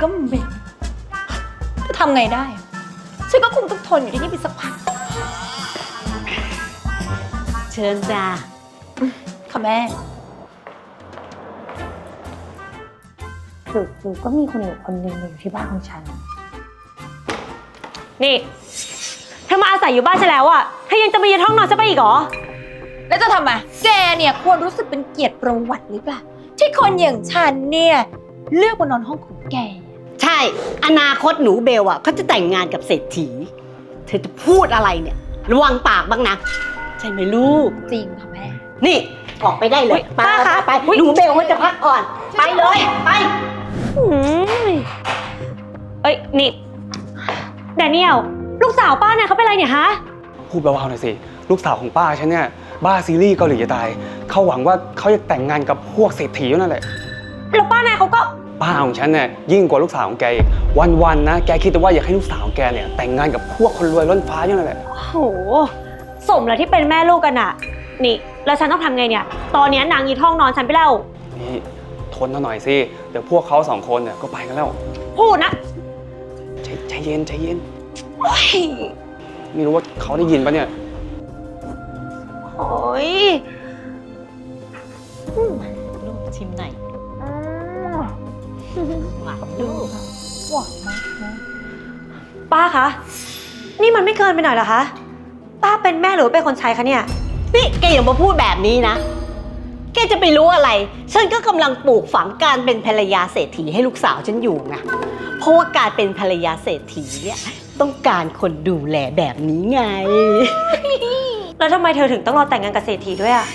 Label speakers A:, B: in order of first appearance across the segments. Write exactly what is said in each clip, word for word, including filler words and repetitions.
A: ก็เหม็นจะทำไงได้ฉันก็คงต้องทนอยู่ที่นี่ไปสักพัก
B: เชิญจ้า
A: ค่ะแม่จู่ๆก็มีคนอยู่คนหนึ่งอยู่ที่บ้านของฉัน
C: นี่เธอมาอาศัยอยู่บ้านฉันแล้วอะเธอยังจะมายืนห้องนอนฉันไปอีกเหรอ
A: แล้วจะทำไมแกเนี่ยควรรู้สึกเป็นเกียรติประวัติหรือเปล่าที่คนอย่างฉันเนี่ยเลือกมานอนห้องของแก
B: ใช่อนาคตหนูเบลอ่ะเขาจะแต่งงานกับเศรษฐีเธอจะพูดอะไรเนี่ยระวังปากบ้างนะใช่ไหมลูก
A: จริงค่ะแม่
B: นี่ออกไปได้เลยป้าคะไปหนูเบลเขาจะพักก่อนไปเลยไป
C: เอ้ยนี่แดเนียลลูกสาวป้าเนี่ยเขาเป็นอะไรเนี่ยฮะ
D: พูดเบาๆหน่อยสิลูกสาวของป้าฉันเนี่ยบ้าซีรีส์เกาหลีจะตายเขาหวังว่าเขาจะแต่งงานกับพวกเศรษฐีนั่นแหละ
C: แล้วป้านายเขาก็
D: ป้าของฉันเนี่ยยิ่งกว่าลูกสาวของแกอีกวันๆนะแกคิดแต่ว่าอยากให้ลูกสาวของแกเนี่ยแต่งงานกับพวกคนรวยล้นฟ้านั่นแหละ
C: โอ้โหสมแล้วที่เป็นแม่ลูกกันอะนี่แล้วฉันต้องทำไงเนี่ยตอนนี้นางยีท้องนอนฉันไปแล้ว
D: นี่ทนหน่อยสิเดี๋ยวพวกเขาสองคนเนี่ยก็ไปกันแล้ว
C: พูดนะ
D: ใจใจเย็นใจเย็นไม่รู้ว่าเขาได้ยินปะเนี่ย
C: โอ้ย
B: ลูกชิมหน่อย
A: หวานลูกหวานมากนะ
C: ป้าคะนี่มันไม่เกินไปหน่อยเหรอคะป้าเป็นแม่หรือเป็นคนใช้คะเนี่ย
B: นี่แกอย่ามาพูดแบบนี้นะแกจะไปรู้อะไรฉันก็กำลังปลูกฝังการเป็นภรรยาเศรษฐีให้ลูกสาวฉันอยู่ไงเพราะว่าการเป็นภรรยาเศรษฐีเนี่ยต้องการคนดูแลแบบนี้ไง
C: แล้วทำไมเธอถึงต้องรอแต่งงานกับเศรษฐีด้วยอ่ะ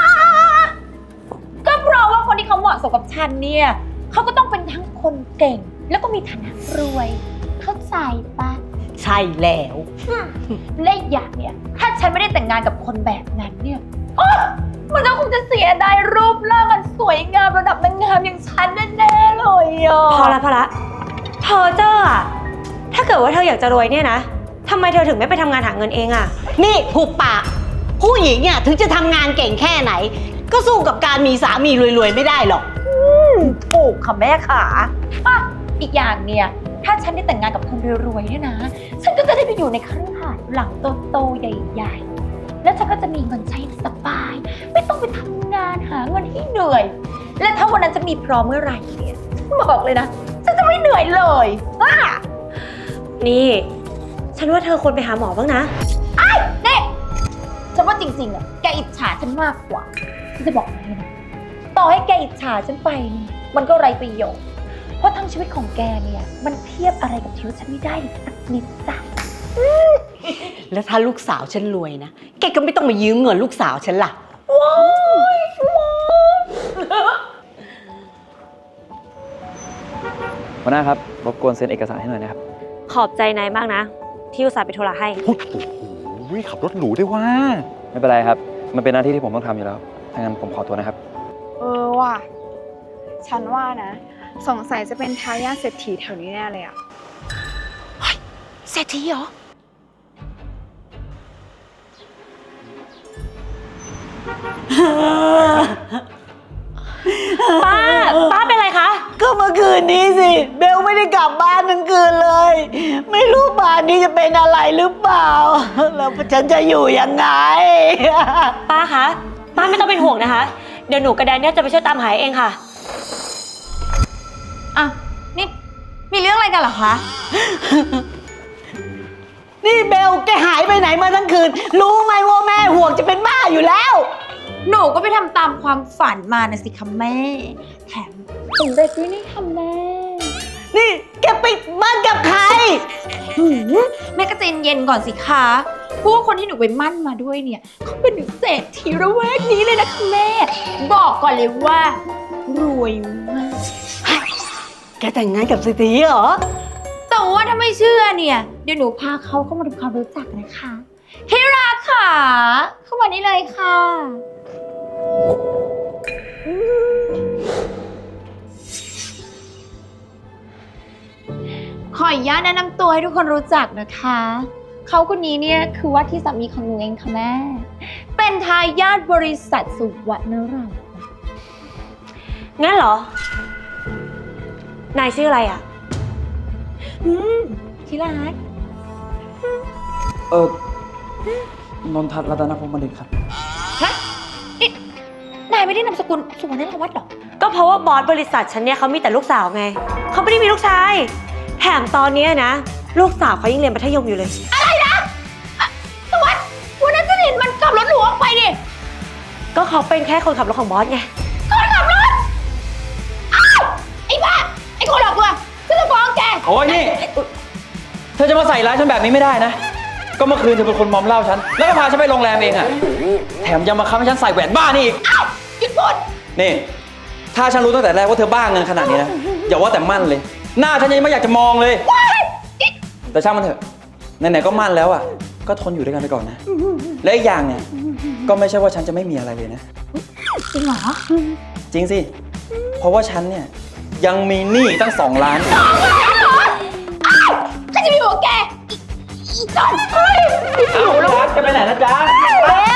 A: ก็เพราะว่าคนที่เขาเหมาะสมกับฉันเนี่ยเขาก็ต้องเป็นทั้งคนเก่งแล้วก็มีฐานะรวยเข้าใจปะ
B: ใช่แล้ว
A: และอีกอย่างเนี่ยถ้าฉันไม่ได้แต่งงานกับคนแบบนั้นเนี่ยมันก็คงจะเสียดายรูปร่างอันสวยงามระดับนางงามอย่างฉันแน่ๆเลยอ่ะ
C: พอละพอละเธอเจ้าอ่ะถ้าเกิดว่าเธออยากจะรวยเนี่ยนะทำไมเธอถึงไม่ไปทำงานหาเงินเองอ่ะ
B: นี่หุบปากผู้หญิงเนี่ยถึงจะทำงานเก่งแค่ไหนก็สู้กับการมีสามีรวยๆไม่ได้หรอก
A: ถูกค่ะแม่ขาอีกอย่างเนี่ยถ้าฉันได้แต่งงานกับคนรวยๆเนี่ยนะฉันก็จะได้ไปอยู่ในคฤหาสน์หลังโตๆใหญ่ๆแล้วฉันก็จะมีเงินใช้สบายไม่ต้องไปทำงานหาเงินให้เหนื่อยและถ้าวันนั้นจะมีพร้อมเมื่อไหร่เนี่ยบอกเลยนะฉันจะไม่เหนื่อยเลยอ่ะ
C: นี่ฉันว่าเธอควรไปหาหมอบ้างนะ
A: ไอ้เนี่ยฉันว่าจริงๆอ่ะแกอิจฉาฉันมากกว่าฉันจะบอกให้นะต่อให้แกอิจฉาฉันไปมันก็ไร้ประโยชน์เพราะทั้งชีวิตของแกเนี่ยมันเทียบอะไรกับชีวิตฉันไม่ได้เลยสักนิดจ้ะ
B: แล้วถ้าลูกสาวฉันรวยนะแกก็ไม่ต้องมายืมเงินลูกสาวฉันล่ะ
A: ว้าย
E: หัวหน้าครับรบกวนเซ็นเอกสารให้หน่อยนะครับ
C: ขอบใจนายมากนะที่อุตส่าห์ไปโทรให้
F: โอ้โหขับรถหรูด้วยว่า
E: ไม่เป็นไรครับมันเป็นหน้าที่ที่ผมต้องทำอยู่แล้วถ้างั้นผมขอตัวนะครับ
G: เออว่ะฉันว่านะสงสัยจะเป็นทายาทเศรษฐีแถวนี้แน่เลยอะ
A: เฮ้ยเศรษฐีเหรอ
C: ป้าป้าเป็นไรคะ
B: ก็เมื่อคืนนี้สิเบลไม่ได้กลับบ้านทั้งคืนเลยไม่รู้บ้านนี้จะเป็นอะไรหรือเปล่าแล้วฉันจะอยู่ยังไง
C: ป้าคะป้าไม่ต้องเป็นห่วงนะคะเดี๋ยวหนูกับแดนเนี่ยจะไปช่วยตามหาเองค่ะ
A: อ่ะนี่มีเรื่องอะไรกันเหรอคะ
B: นี่เบลแกหายไปไหนมาทั้งคืนรู้ไหมว่าแม่ห่วงจะเป็นบ้าอยู่แล้ว
A: หนูก็ไปทำตามความฝันมานะสิคะแม่แถมสำเร็จด้วยนี่ค่ะแม่
B: นี่แกไปมั่นกับใคร
A: แม่ก็ใจเย็นก่อนสิคะเพราะว่าคนที่หนูไปมั่นมาด้วยเนี่ยเขาเป็นเศรษฐีระแวกนี้เลยนะคะแม่บอกก่อนเลยว่ารวยมาก
B: แกแต่งงานกับเศรษฐีเหรอ
A: แต่ว่าถ้าไม่เชื่อเนี่ยเดี๋ยวหนูพาเขาเข้ามาทำความรู้จักนะคะที่รักค่ะเข้ามานี่เลยค่ะขออนุญาตแนะนำตัวให้ทุกคนรู้จักนะคะเขาคนนี้เนี่ยคือว่าที่สามีของหนูเองค่ะแม่เป็นทายาทบริษัทสุวรรณรัตน์
C: งั้นเหรอนายชื่ออะไรอ่ะ
A: อืมที่รัก
E: เออ นนทัศน์รัตนพงศ์บัณฑิตครับ
A: ฮะนี่นายไม่ได้นามสกุลสุวรรณวัฒน์หรอ
C: ก็เพราะว่าบอสบริษัทฉันเนี่ยเขามีแต่ลูกสาวไง เขาไม่ได้มีลูกชาย แถมตอนเนี้ยนะ ลูกสาวเขายังเรียนมัธยมอยู่เลย
A: สวัสดิ์วันนั้นฉันเห็นมันขับรถหรูออกไปดิ
C: ก็เขาเป็นแค่คนขับรถของบอสไง
A: คนขับรถ อ้าว ไอ้บ้า ไอ้คนหลอกลวงฉันจะฟ้องแก
E: โอ้ยนี่ เธอจะมาใส่ร้ายฉันแบบนี้ไม่ได้นะ ก็เมื่อคืนเธอเป็นคนมอมเหล้าฉัน แล้วก็พาฉันไปโรงแรมเองอะแถมยังมาค้ำให้ฉันใส่แหวนบ้านี่อีก
A: อ้าว หยุดพูด
E: นี่ ถ้าฉันรู้ตั้งแต่แรกว่าเธอบ้าเงินขนาดนี้นะ อย่าว่าแต่มั่นเลย หน้าฉันยังไม่อยากจะมองเลย แต่ช่างมันเถอะ ไหนๆก็มั่นแล้วอ่ะ ก็ทนอยู่ด้วยกันไปก่อนนะ และอีกอย่างเนี่ย ก็ไม่ใช่ว่าฉันจะไม่มีอะไรเลยนะ
A: จริงเหรอ
E: จริงสิ เพราะว่าฉันเนี่ยยังมีหนี้ตั้งสองล้าน
A: ฉันจะไปอยู่กับแก อีอีจอนเฮ้ย
E: เอาแล้วจะไปไหนนะจ๊ะ
A: เอ๊ะ